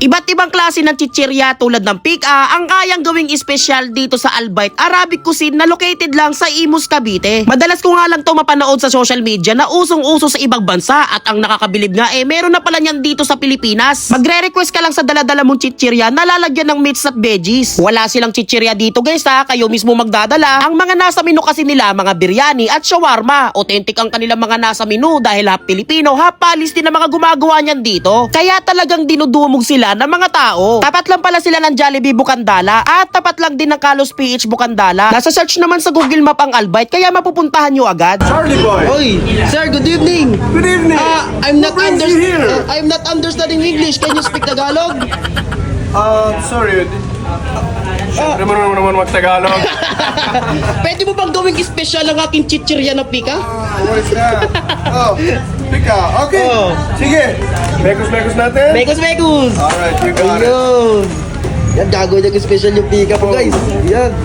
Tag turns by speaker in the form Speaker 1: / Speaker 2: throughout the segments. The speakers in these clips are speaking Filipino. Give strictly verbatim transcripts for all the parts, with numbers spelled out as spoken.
Speaker 1: Iba't ibang klase ng chichirya tulad ng pika ang kayang gawing espesyal dito sa Albite Arabic Cuisine na located lang sa Imus, Cavite. Madalas ko nga lang to mapanood sa social media na usong-uso sa ibang bansa at ang nakakabilib nga eh meron na pala niyan dito sa Pilipinas. Magre-request ka lang sa dala-dala mong chichirya na lalagyan ng meats at veggies. Wala silang chichirya dito guys ha, kayo mismo magdadala. Ang mga nasa menu kasi nila mga biryani at shawarma. Authentic ang kanilang mga nasa menu dahil half Pilipino, half Palestine na mga gumagawa niyan dito. Kaya talagang dinudumog sila ng mga tao. Tapat lang pala sila ng Jollibee Bukandala at tapat lang din ng Carlos P H Bukandala. Nasa search naman sa Google Map ang Albite kaya mapupuntahan nyo agad.
Speaker 2: Charlie boy.
Speaker 1: Oy, sir, good evening.
Speaker 2: Good evening.
Speaker 1: Uh, I'm not
Speaker 2: What brings
Speaker 1: under
Speaker 2: you here?
Speaker 1: uh, I'm not understanding English. Can you speak Tagalog?
Speaker 2: Uh, sorry. Siyempre mo naman naman mag-Tagalog.
Speaker 1: Pwede mo bang gawing espesyal ang aking chichirya na pika?
Speaker 2: What is that? Oh, pika. Okay.
Speaker 1: Oh.
Speaker 2: Sige. Mekos-mekos natin.
Speaker 1: Mekos, mekos.
Speaker 2: Alright, you got it.
Speaker 1: Ayun. Yan, gagawin yung special yung pika po guys. Yan.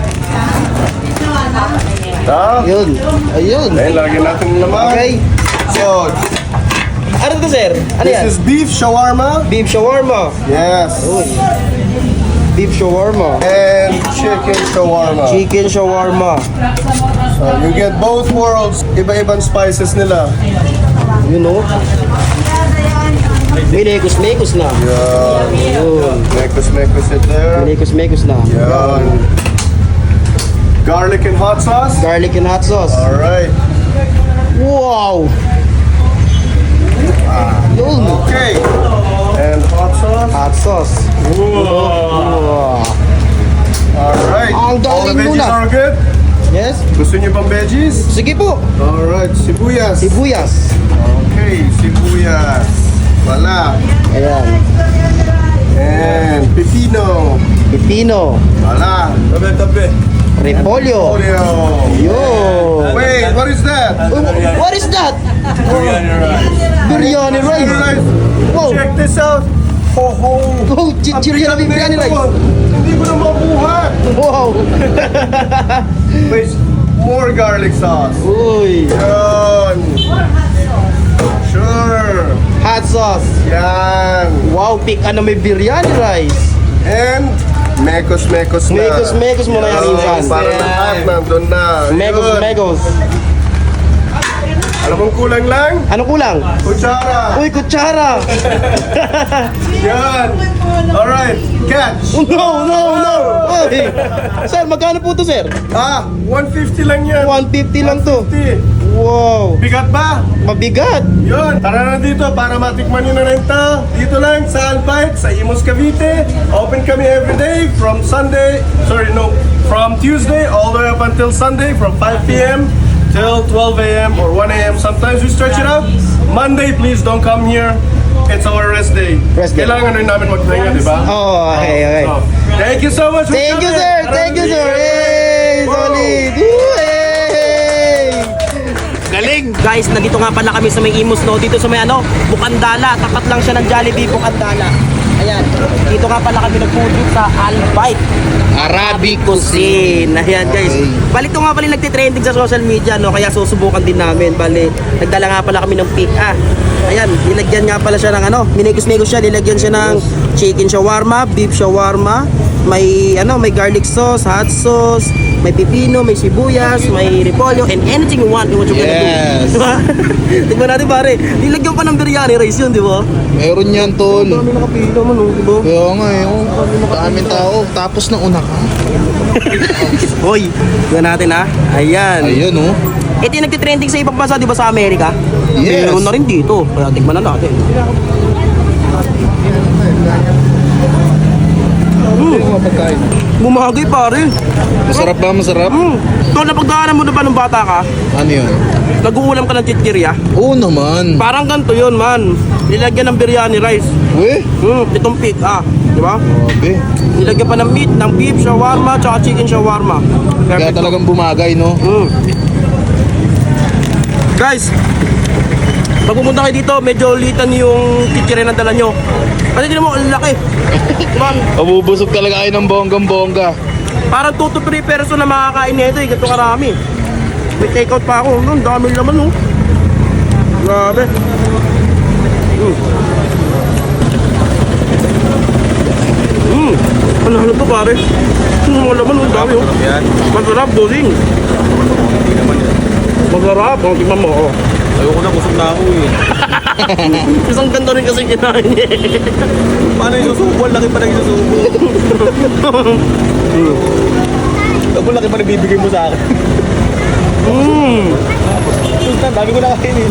Speaker 2: Ta?
Speaker 1: Ayun. Ayun.
Speaker 2: Ayun, lagyan natin ng laman.
Speaker 1: Okay.
Speaker 2: So,
Speaker 1: Ano to sir? Ano
Speaker 2: this
Speaker 1: yan?
Speaker 2: is beef shawarma.
Speaker 1: Beef shawarma.
Speaker 2: Yes.
Speaker 1: Uy. Beef shawarma.
Speaker 2: And chicken shawarma.
Speaker 1: Chicken shawarma.
Speaker 2: So, you get both worlds. Iba-ibang spices nila.
Speaker 1: You know? Minekos-mekos na.
Speaker 2: Yan.
Speaker 1: Ayun.
Speaker 2: Mekos-mekos it there.
Speaker 1: Minekos-mekos na.
Speaker 2: Yan. Garlic and hot sauce.
Speaker 1: Garlic and hot sauce.
Speaker 2: Alright.
Speaker 1: Wow! Yun.
Speaker 2: Okay. And hot sauce.
Speaker 1: Hot sauce. Wow.
Speaker 2: Alright.
Speaker 1: Ang
Speaker 2: All the
Speaker 1: galing
Speaker 2: veggies
Speaker 1: muna.
Speaker 2: are good?
Speaker 1: Yes?
Speaker 2: Gusto niyo pang veggies?
Speaker 1: Sige po.
Speaker 2: Alright. Sibuyas.
Speaker 1: Sibuyas.
Speaker 2: Okay. Sibuyas. Wala.
Speaker 1: Ayan.
Speaker 2: And pepino.
Speaker 1: Pipino.
Speaker 2: Wala. Tabi-tabi.
Speaker 1: Repolyo.
Speaker 2: Olio.
Speaker 1: Yun.
Speaker 2: Wait, what is that?
Speaker 1: Oh, what is that?
Speaker 2: Biryani rice.
Speaker 1: Biryani rice. Wow.
Speaker 2: Check this out. Ho ho.
Speaker 1: Oh, chichirya na biryani rice.
Speaker 2: Hindi ko na mabuhat.
Speaker 1: Wow.
Speaker 2: Wait, more garlic sauce.
Speaker 1: Uy.
Speaker 2: Yun. Sure.
Speaker 1: Hot sauce.
Speaker 2: Yan.
Speaker 1: Wow, pick ano may biryani rice.
Speaker 2: And mekos-mekos na.
Speaker 1: Mekos-mekos mo na yan,
Speaker 2: Yan,
Speaker 1: insan.
Speaker 2: para lahat nandun na.
Speaker 1: Megos,
Speaker 2: Yun.
Speaker 1: megos.
Speaker 2: Alam mong kulang lang?
Speaker 1: Ano kulang?
Speaker 2: Kutsara.
Speaker 1: Uy, kutsara.
Speaker 2: Yan. Alright, catch.
Speaker 1: Oh, no, no, no. Uy. Sir, magkano po to, sir?
Speaker 2: Ah, one fifty lang yan.
Speaker 1: one fifty lang to.
Speaker 2: one fifty.
Speaker 1: Wow.
Speaker 2: Bigat ba?
Speaker 1: Mabigat.
Speaker 2: Yun, tara na dito para matikman nyo na rin to. Dito lang sa Albite, sa Imus, Cavite. Open kami every day from Sunday, sorry no, from Tuesday all the way up until Sunday from five p m till twelve a m or one a m Sometimes we stretch it out. Monday, please don't come here. It's our rest day.
Speaker 1: Rest day.
Speaker 2: Kailangan rin namin magpahinga, di ba?
Speaker 1: Oh, okay, okay.
Speaker 2: So, thank you so much for
Speaker 1: Thank you,
Speaker 2: coming.
Speaker 1: sir.
Speaker 2: Tara
Speaker 1: Thank you,
Speaker 2: na
Speaker 1: sir.
Speaker 2: dito.
Speaker 1: Hey,
Speaker 2: Wow.
Speaker 1: solid. Woo, hey. Galing! Guys, nandito nga pala kami sa may Imus, no? Dito sa may ano, Bukandala. Tapat lang siya ng Jollibee Bukandala. Ayan. Dito nga pala kami nag-food sa Albite Arabic Cuisine. Ayan, guys. Balik to nga pala yung nagtitrending sa social media, no? Kaya susubukan din namin. Bali, nagdala nga pala kami ng pika. Ayan, nilagyan nga pala siya ng ano, minigos-migos siya, nilagyan siya ng chicken shawarma, beef shawarma, may ano, may garlic sauce, hot sauce, may pipino, may sibuyas, may repolyo, and anything you want, what you gonna
Speaker 3: Yes.
Speaker 1: do. Diba? Tignan natin pare, nilagyan pa ng biryani rice yun, di ba?
Speaker 3: Meron yan, tol.
Speaker 1: Dami nakapila man, oh, di ba?
Speaker 3: Kaya nga eh, oh. Daming tao. Tapos na una ka.
Speaker 1: Hoy, tignan natin ha. Ayan.
Speaker 3: Ayun, oh.
Speaker 1: Ito yung nagtitrending sa ibang bansa, di ba, sa Amerika?
Speaker 3: Yes.
Speaker 1: Meron na rin dito. Kaya tignan na natin.
Speaker 3: Yung mga pagkain.
Speaker 1: Bumagay pare.
Speaker 3: Masarap ba? Masarap?
Speaker 1: Hmm. Tol, napagdaanan mo na ba nung bata ka?
Speaker 3: Ano yun?
Speaker 1: Nag-uulam ka ng chichirya?
Speaker 3: Oo naman.
Speaker 1: Parang ganito yun, man. Nilagyan ng biryani rice.
Speaker 3: Uy,
Speaker 1: Hmm, itong pig, ah. Di ba?
Speaker 3: grabe.
Speaker 1: Nilagyan pa ng meat, ng beef shawarma, tsaka chicken shawarma.
Speaker 3: Kaya
Speaker 1: Perfect.
Speaker 3: talagang bumagay, no?
Speaker 1: Mm. Guys, pag pumunta kayo dito, medyo litan yung chichirya na dala nyo. Kasi tinan mo, ang laki. Man,
Speaker 3: Mabubusog talaga kayo ng bonggang-bongga.
Speaker 1: parang two to three person na makakain nito eh. Ganito karami. May take out pa ako. Ang dami naman, oh. Grabe. Mm. pare. Hmm, wala man, ang dami oh.
Speaker 4: Yan.
Speaker 1: Masarap, bossing.
Speaker 4: Hindi naman yan.
Speaker 1: Masarap, oh, tingnan mo oh.
Speaker 4: Ayoko na, kusog na ako eh.
Speaker 1: Isang ganto rin kasi kinain niya eh.
Speaker 4: Paano yung susubo? Ang laki pa nang susubo. Ang laki pa nagbibigay mo sa akin.
Speaker 1: Mmm.
Speaker 4: Ang dami ko na kainin.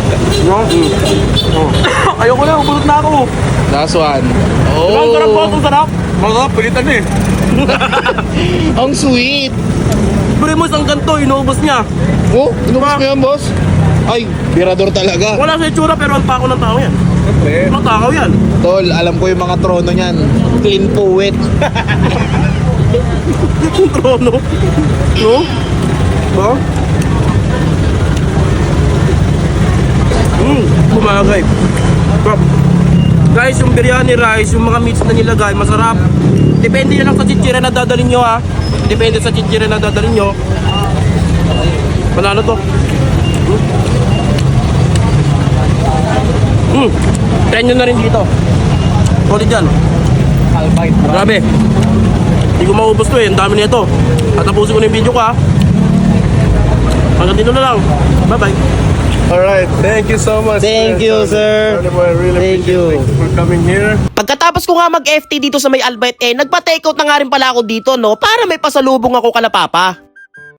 Speaker 1: Ayoko na, ubulot na ako.
Speaker 3: Last one.
Speaker 1: Oh. Ang sarap boss,
Speaker 3: Oh,
Speaker 1: ang sarap.
Speaker 4: Mga pilitan eh.
Speaker 3: ang sweet.
Speaker 1: Pero mo isang ganto, inuubos niya.
Speaker 3: Oh, inubos mo yan, boss? Ay, birador talaga.
Speaker 1: Wala sa itsura pero ang pako ng tao yan.
Speaker 4: Siyempre.
Speaker 1: Ang takaw yan.
Speaker 3: Tol, alam ko yung mga trono niyan. Clean poet.
Speaker 1: Yung trono. No? Ba? Hmm, bumagay. Ba? Guys, yung biryani rice, yung mga meats na nilagay, masarap. Depende na lang sa chichira na dadalhin nyo ha. Depende sa chichira na dadalhin nyo. Panalo to. Hmm. Try nyo na rin dito. Solid dyan.
Speaker 4: Albite.
Speaker 1: Grabe. Hindi ko maubos to eh. Ang dami nito. At tapusin ko na yung video ko ha. Hanggang dito na lang. Bye-bye.
Speaker 2: Alright, thank you so much.
Speaker 3: Thank you, sir.
Speaker 2: Johnny Boy, I really
Speaker 3: Thank
Speaker 2: appreciate
Speaker 3: you.
Speaker 2: it. Thank you for coming here.
Speaker 1: Pagkatapos ko nga mag-F T dito sa may Albite eh, nagpa-takeout na nga rin pala ako dito no para may pasalubong ako kala Papa.